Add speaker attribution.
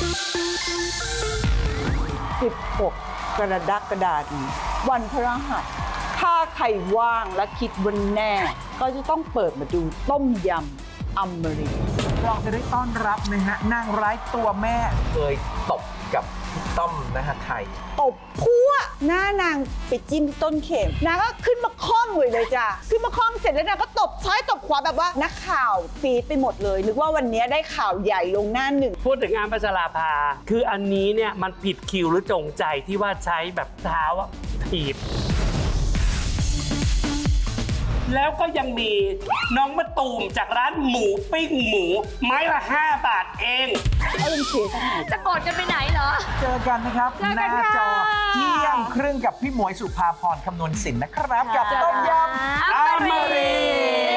Speaker 1: 16 กรกฎาคมวันพฤหัสถ้าใครว่างและคิดวันแน่ ก็จะต้องเปิดมาดูต้มยำอมรินทร์
Speaker 2: เราจะได้ต้อนรับนะฮะนางร้ายตัวแม่เคยตบกับพี่ต้อมนะฮะไทย
Speaker 1: ตบพัวหน้านางไปจิ้มที่ต้นเข็มนางก็ขึ้นมาค่อมเลยจ้ะขึ้นมาค่อมเสร็จแล้วนางก็ตบซ้ายตบขวาแบบว่านักข่าวฟีดไปหมดเลยนึกว่าวันนี้ได้ข่าวใหญ่ลงหน้าหนึ่ง
Speaker 3: พูดถึงงานพัชราภาคืออันนี้เนี่ยมันผิดคิวหรือจงใจที่ว่าใช้แบบเท้าอะถีบ แล้วก็ยังมีน้องมะตูมจากร้านหมูปิ้งหมู ไม้ละ 5 บาทเอง
Speaker 1: เอาเป็นเสียทั้งหมด
Speaker 4: จะกดกันไปไหนเหรอ
Speaker 2: เจอกันนะครับ
Speaker 4: เจอ
Speaker 2: ห
Speaker 4: กั
Speaker 2: น้าน
Speaker 4: ค่ะ
Speaker 2: จอเที่ยงครึ่งกับพี่หมวยสุภาพรคำนวณสินนะครับ กับต้มยำ
Speaker 3: อมรินทร์